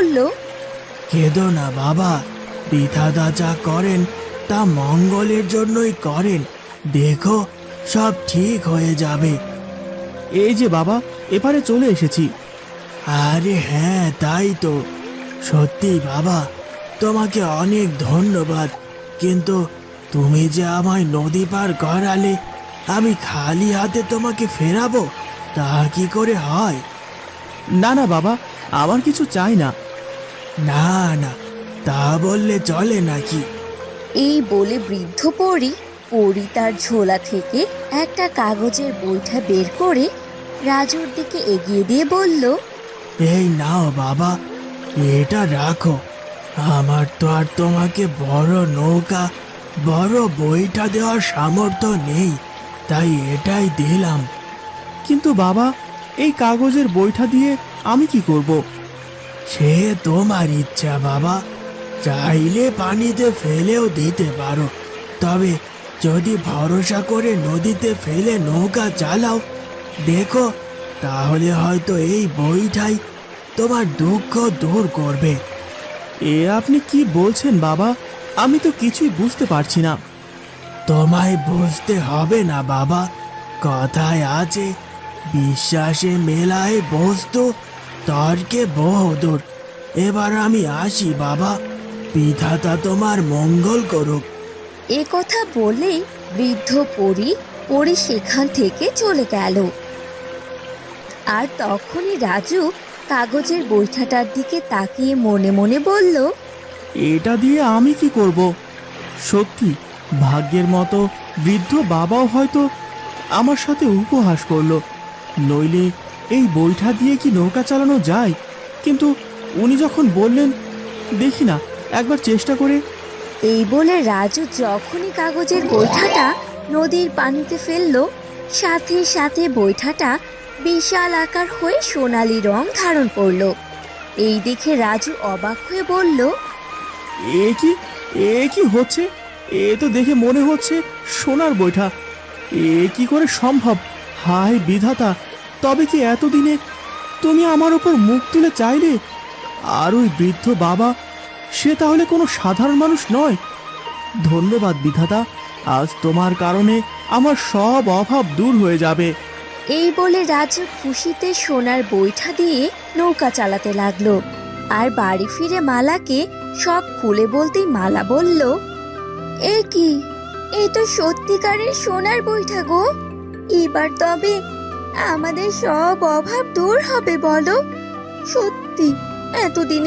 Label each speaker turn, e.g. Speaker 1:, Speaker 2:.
Speaker 1: বলল,
Speaker 2: কেঁদো না বাবা, বিধাতা যা করেন তা মঙ্গলের জন্যই করেন। দেখো, সব ঠিক হয়ে যাবে।
Speaker 3: এই যে বাবা, এপারে চলে এসেছি।
Speaker 2: আরে হ্যাঁ, তাই তো। সত্যি বাবা, তোমাকে অনেক ধন্যবাদ। কিন্তু তুমি যে আমায় নদী পার করালে, আমি খালি হাতে তোমাকে ফেরাবো, তা কি করে হয়?
Speaker 3: না না বাবা, আমার কিছু চাই না।
Speaker 2: না না, তা বললে চলে নাকি?
Speaker 1: এই বলে বৃদ্ধ পরী তার ঝোলা থেকে একটা কাগজের বইটা বের করে রাজুর দিকে এগিয়ে দিয়ে বলল,
Speaker 2: এই নাও বাবা, এটা রাখো। আমার তো আর তোমাকে বড় নৌকা, বড় বইটা দেওয়ার সামর্থ্য নেই, তাই এটাই দিলাম।
Speaker 3: কিন্তু বাবা, এই কাগজের বইটা দিয়ে আমি কি করব?
Speaker 2: সে তোমার ইচ্ছা বাবা, চাইলে পানিতে ফেলেও দিতে পারো। তবে যদি ভরসা করে নদীতে ফেলে নৌকা চালাও, দেখো, তাহলে হয়তো এই বইটাই তোমার দুঃখ দূর করবে।
Speaker 3: এ আপনি কি বলছেন বাবা? আমি তো কিছুই বুঝতে পারছি না।
Speaker 2: তোমায় বুঝতে হবে না বাবা, কথায় আছে, বিশ্বাসে মেলায় বস্তু, তর্কে বহুদূর। এবার আমি আসি বাবা, বিধাতা তোমার মঙ্গল করুক।
Speaker 1: এ কথা বলে বৃদ্ধ পরী সেখান থেকে চলে গেল। আর তখনই রাজু কাগজের বইটাটার দিকে তাকিয়ে মনে মনে বলল,
Speaker 3: এটা দিয়ে আমি কি করব? সত্যি, ভাগ্যের মতো বৃদ্ধ বাবাও হয়তো আমার সাথে উপহাস করলো। নইলে এই বইটা দিয়ে কি নৌকা চালানো যায়? কিন্তু উনি যখন বললেন, দেখি না একবার চেষ্টা করে।
Speaker 1: এই বলে রাজু যখনই কাগজের বৈঠাটা নদীর পানিতে ফেললো, সাথে সাথে বৈঠাটা বিশাল আকার হয়ে সোনালী রং ধারণ করলো। এই দেখে রাজু অবাক হয়ে বলল,
Speaker 3: এ কি হচ্ছে? এ তো দেখে মনে হচ্ছে সোনার বৈঠা। এ কি করে সম্ভব? হায় বিধাতা, তবে কি এতদিনে তুমি আমার ওপর মুখ তুলে চাইলে? আর ওই বৃদ্ধ বাবা, সে তাহলে কোনো সাধারণ মানুষ নয়। ধন্যবাদ বিধাতা, আজ তোমার কারণে আমার সব অভাব দূর হয়ে যাবে।
Speaker 1: এই বলে রাজু খুশিতে সোনার বৈঠা দিয়ে নৌকা চালাতে লাগলো। আর বাড়ি ফিরে মালাকে সব খুলে বলতেই মালা বলল, এ কি, এই তো সত্যিকারের সোনার বৈঠা গো। এবার তবে আমাদের সব অভাব দূর হবে বলো? সত্যি, এতদিন